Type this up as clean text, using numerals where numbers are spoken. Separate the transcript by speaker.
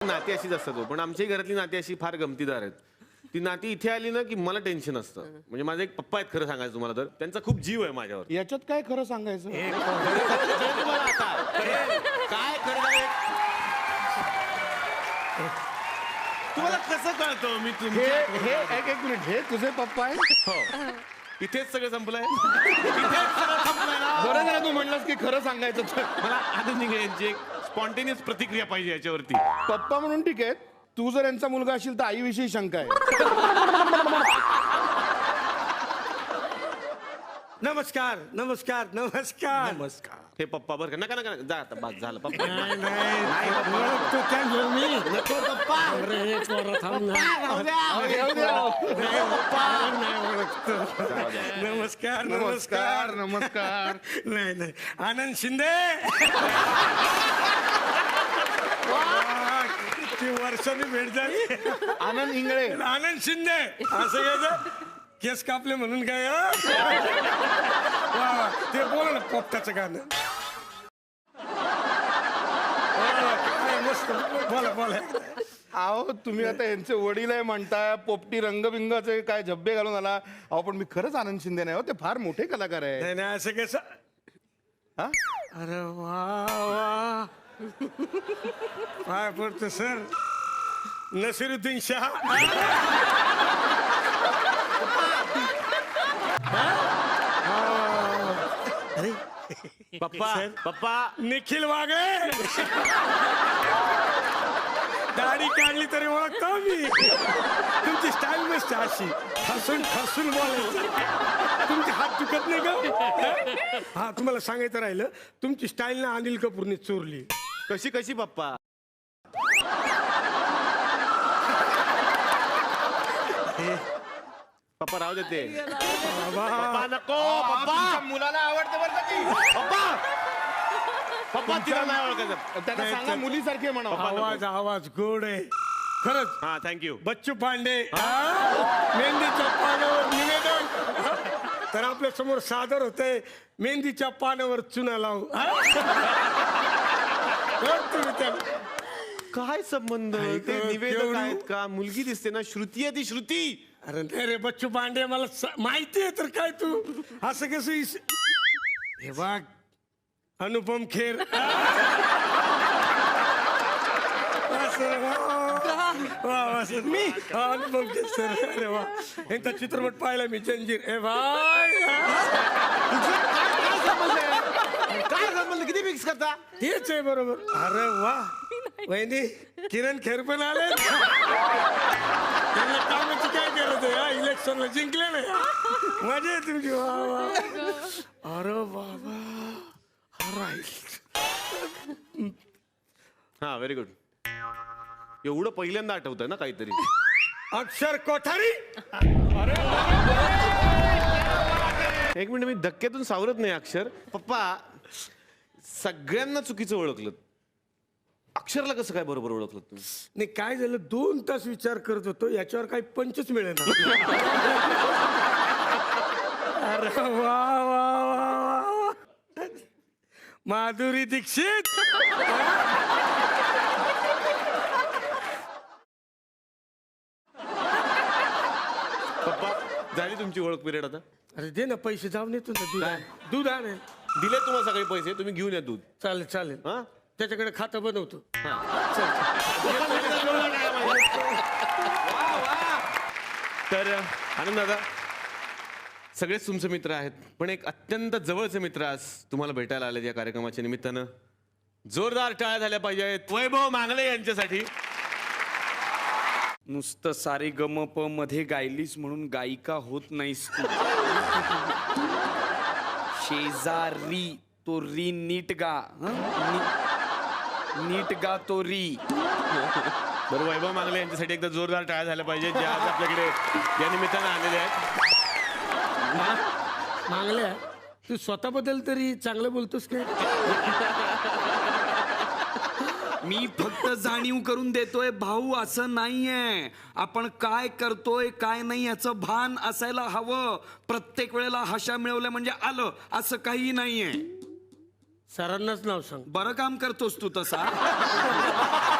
Speaker 1: नाती अशीच असतात हो. पण आमच्याही घरातली नाती अशी फार गमतीदार आहेत. ती नाती इथे आली ना की मला टेन्शन असतं. म्हणजे माझे एक पप्पा आहेत खरं सांगायचं तुम्हाला तर त्यांचा खूप जीव आहे माझ्यावर.
Speaker 2: याच्यात काय खरं सांगायचं?
Speaker 1: तुम्हाला आता काय खरं तुम्हाला कसं कळतं मी
Speaker 2: हे हे एक मिनिट, हे तुझे पप्पा आहेत?
Speaker 1: हो इथेच सगळं संपलंय. इथेच सगळं संपलंय ना.
Speaker 2: बरं झालं तू म्हणलास की खरं सांगायचं तर.
Speaker 1: मला आनंद यांची एक स्पॉन्टेनियस प्रतिक्रिया पाहिजे याच्यावरती.
Speaker 2: पप्पा म्हणून ठीक आहे, तू जर यांचा मुलगा असेल तर आईविषयी शंका आहे.
Speaker 3: नमस्कार नमस्कार नमस्कार
Speaker 1: नमस्कार. हे पप्पा बरं का. नका नका जा आता बस झालं पप्पा.
Speaker 3: नाही ओळखतो त्यांना मी.
Speaker 1: नको पप्पा.
Speaker 3: अरे पोरं थांब ना. नाही पप्पा नाही ओळखतो. नमस्कार
Speaker 2: नमस्कार नमस्कार.
Speaker 3: नाही नाही आनंद शिंदे. किती वर्षांनी भेट झाली.
Speaker 2: आनंद इंगळे.
Speaker 3: आनंद शिंदे असं घ्यायचं. केस कापले म्हणून काय वा, ते बोला ना पोपटाचं गाणं. काय मस्त बोला बोला.
Speaker 2: अहो तुम्ही आता यांचे वडील आहे म्हणताय, पोपटी रंगबिंगाचे काय झब्बे घालून आला. अहो पण मी खरंच आनंद शिंदे नाही हो, ते फार मोठे कलाकार आहे.
Speaker 3: नाही नाही असं कसं.
Speaker 2: हा?
Speaker 3: अरे वा वा काय पडतो सर. नसिरुद्दीन शाह. अरे
Speaker 1: पप्पा पप्पा.
Speaker 3: निखिल वागळे. दाढी काढली तरी ओळखतो मी. तुमची स्टाईल मस्त अशी हसून हसून बोलायचं. तुमचे हात चुकत नाही का? हा तुम्हाला सांगायचं राहिलं, तुमची स्टाईल ना अनिल कपूरने चोरली.
Speaker 1: कशी कशी पप्पा. पप्पा राहू देते. पप्पा नको. पप्पा
Speaker 2: मुलाला आवडते बरं का ती.
Speaker 1: पप्पा पप्पा तिला नाही ओळखायचं.
Speaker 2: त्यांना सांगा मुलीसारखे म्हणा.
Speaker 3: आवाज आवाज गोड आहे खरंच.
Speaker 1: हा थँक्यू.
Speaker 3: बच्चू पांडे मेहंदीच्या पानावर निवेदन. तर आपल्या समोर सादर होते मेहंदीच्या पानावर चुना लावू. तुम्ही त्या
Speaker 1: काय संबंध. ते निवेदक
Speaker 3: केवढी-
Speaker 1: आहेत का. मुलगी दिसते ना. श्रुती आहे ती श्रुती.
Speaker 3: अरे नाही रे बच्चू पांडे मला माहिती आहे तर काय तू असं कसं हे बघ अनुपम खेर. मी अनुपम खेर सर. अरे वा यांचा चित्रपट पाहिला मी जंजीर. ए भाई
Speaker 1: काय संबंध. किती मिक्स करता.
Speaker 3: तेच आहे बरोबर. अरे वा वहिनी किरण खेर पण आले. त्यांना कामाची काय गरज आहे. इलेक्शनला जिंकले नाही. मजा आहे तुमची. वा वा. अरे बाबा
Speaker 1: हा व्हेरी गुड. एवढं पहिल्यांदा आठवतंय ना काहीतरी.
Speaker 3: अक्षर कोठारी.
Speaker 1: एक मिनिट मी धक्क्यातून सावरत नाही अक्षर. पप्पा सगळ्यांना चुकीचं ओळखलं. अक्षरला कसं काय बरोबर ओळखलं तुम्ही.
Speaker 3: नाही काय झालं 2 तास विचार करत होतो याच्यावर काही पंचच मिळेल. अरे वा वा वा वा. माधुरी दीक्षित.
Speaker 1: पप्पा झाली तुमची ओळख पिरियड आता.
Speaker 3: अरे दे ना पैसे जाऊन येतो ना. दूध आण. दूध आणेल.
Speaker 1: दिले तुम्हाला सगळे पैसे. तुम्ही घेऊन या दूध.
Speaker 3: चालेल चालेल.
Speaker 1: हा
Speaker 3: त्याच्याकडे खातं बनवतो.
Speaker 1: तर आनंद दादा सगळेच तुमचे मित्र आहेत पण एक अत्यंत जवळचे मित्र आज तुम्हाला भेटायला आले या कार्यक्रमाच्या निमित्तानं. जोरदार टाळ्या झाल्या पाहिजेत वैभव मांगले यांच्यासाठी.
Speaker 4: नुसतं सारे गम प मध्ये गायलीस म्हणून गायिका होत नाहीस तू. शेजारी तो री नीट गा. नीट गा तो री.
Speaker 1: बरं वैभव मांगले यांच्यासाठी एकदा जोरदार टाळ्या झाल्या पाहिजेत जे आज आपल्याकडे या निमित्तानं आलेले आहेत.
Speaker 3: मागल्या तू स्वतःबद्दल तरी चांगलं बोलतोस काय.
Speaker 4: मी फक्त जाणीव करून देतोय भाऊ असं नाहीये. आपण काय करतोय काय नाही याचं भान असायला हवं. प्रत्येक वेळेला हशा मिळवल्या म्हणजे आलं असं काही नाहीये.
Speaker 3: सरांनाच नाव सांग.
Speaker 4: बरं काम करतोस तू तसा.